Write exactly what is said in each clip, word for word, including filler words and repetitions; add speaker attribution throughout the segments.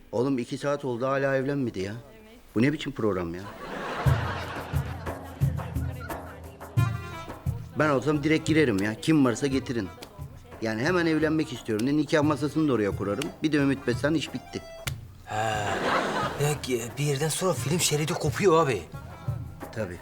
Speaker 1: Oğlum iki saat oldu hala evlenmedi ya. Bu ne biçim program ya? Ben olsam direkt girerim ya. Kim varsa getirin. Yani hemen evlenmek istiyorum. Ne nikah masasını da oraya kurarım. Bir de Ümit Besen iş bitti.
Speaker 2: Ya, bir yerden sonra film şeridi kopuyor abi.
Speaker 1: Tabii.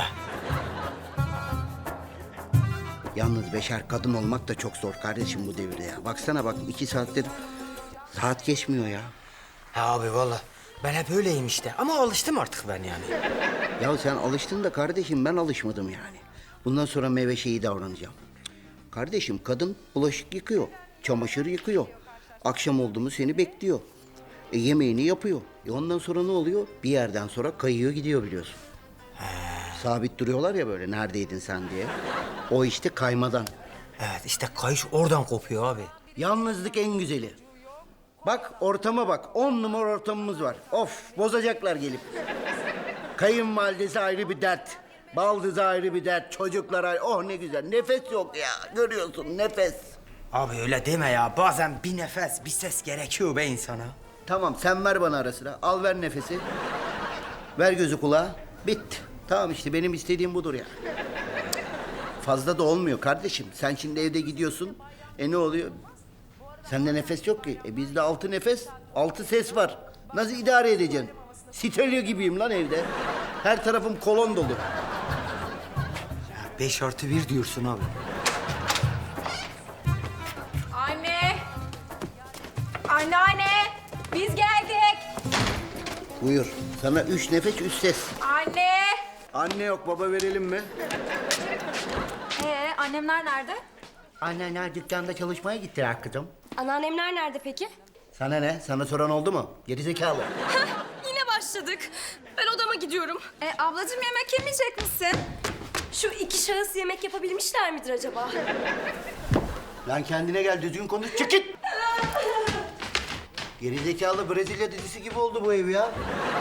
Speaker 1: Yalnız beşer kadın olmak da çok zor kardeşim bu devirde ya. Baksana bak iki saattir saat geçmiyor ya.
Speaker 2: Ha abi vallahi ben hep öyleyim işte ama alıştım artık ben yani.
Speaker 1: Ya sen alıştın da kardeşim ben alışmadım yani. Bundan sonra meyve şeyi davranacağım. Kardeşim kadın bulaşık yıkıyor, çamaşır yıkıyor. Akşam oldu mu seni bekliyor. E, yemeğini yapıyor. E ondan sonra ne oluyor? Bir yerden sonra kayıyor gidiyor biliyorsun. Sabit duruyorlar ya böyle neredeydin sen diye. O işte kaymadan.
Speaker 2: Evet işte kayış oradan kopuyor abi.
Speaker 1: Yalnızlık en güzeli. Bak ortama bak. On numara ortamımız var. Of bozacaklar gelip. Kayınvalidesi ayrı bir dert. Baldızı ayrı bir dert. Çocuklar ayrı. Oh ne güzel. Nefes yok ya. Görüyorsun nefes.
Speaker 2: Abi öyle deme ya. Bazen bir nefes, bir ses gerekiyor be insana.
Speaker 1: Tamam sen ver bana ara sıra. Al ver nefesi. Ver gözü kulağa. Bitti. Tamam işte benim istediğim budur ya. Fazla da olmuyor kardeşim. Sen şimdi evde gidiyorsun. E ne oluyor? Sende nefes yok ki. E bizde altı nefes, altı ses var. Nasıl idare edeceksin? Stereo gibiyim lan evde. Her tarafım kolon dolu.
Speaker 2: Ya beş artı bir diyorsun abi.
Speaker 3: Anne! Anneanne! Biz geldik!
Speaker 1: Buyur. Sana üç nefes, üç ses.
Speaker 3: Anne!
Speaker 1: Anne yok, baba verelim mi?
Speaker 3: Ee, annemler nerede?
Speaker 1: Anneanne dükkanda çalışmaya gittiler kızım.
Speaker 4: Anneannemler nerede peki?
Speaker 1: Sana ne? Sana soran oldu mu? Gerizekalı.
Speaker 4: Yine başladık. Ben odama gidiyorum.
Speaker 3: E, ablacığım yemek yemeyecek misin?
Speaker 4: Şu iki şahıs yemek yapabilmişler midir acaba?
Speaker 1: Lan kendine gel, düzgün konuş, çık git! Gerizekalı Brezilya dizisi gibi oldu bu ev ya.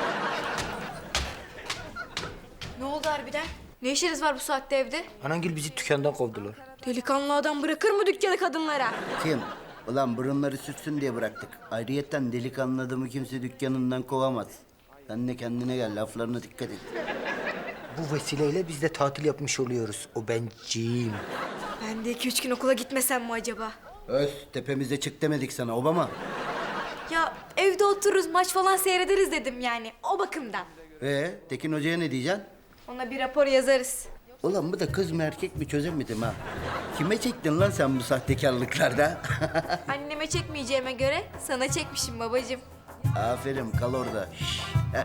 Speaker 3: Ne oldu harbiden? Ne işiniz var bu saatte evde?
Speaker 2: Anangil bizi dükkandan kovdular.
Speaker 4: Delikanlı adam bırakır mı dükkanı kadınlara?
Speaker 1: Kim? Ulan burunları sürtsün diye bıraktık. Ayrıyetten delikanlı adamı kimse dükkanından kovamaz. Sen de kendine gel, laflarına dikkat et.
Speaker 2: Bu vesileyle biz de tatil yapmış oluyoruz. O benciyim.
Speaker 4: Ben de iki üç gün okula gitmesem mi acaba?
Speaker 1: Öz, tepemize çık demedik sana Obama.
Speaker 3: Ya evde otururuz maç falan seyrederiz dedim yani o bakımdan.
Speaker 1: Ee, Tekin Hoca'ya ne diyeceksin?
Speaker 3: Ona bir rapor yazarız.
Speaker 1: Ulan bu da kız mı erkek mi çözemedim ha. Kime çektin lan sen bu sahtekarlıklarda?
Speaker 3: Anneme çekmeyeceğime göre sana çekmişim babacığım.
Speaker 1: Aferin kal orada. Şş.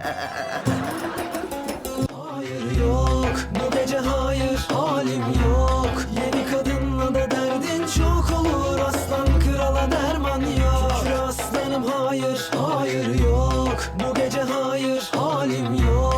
Speaker 5: Hayır yok, bu gece hayır, halim yok. Yeni kadınla da derdin çok olur, aslan krala derman yok. Şükür aslanım hayır, hayır yok, bu gece hayır, halim yok.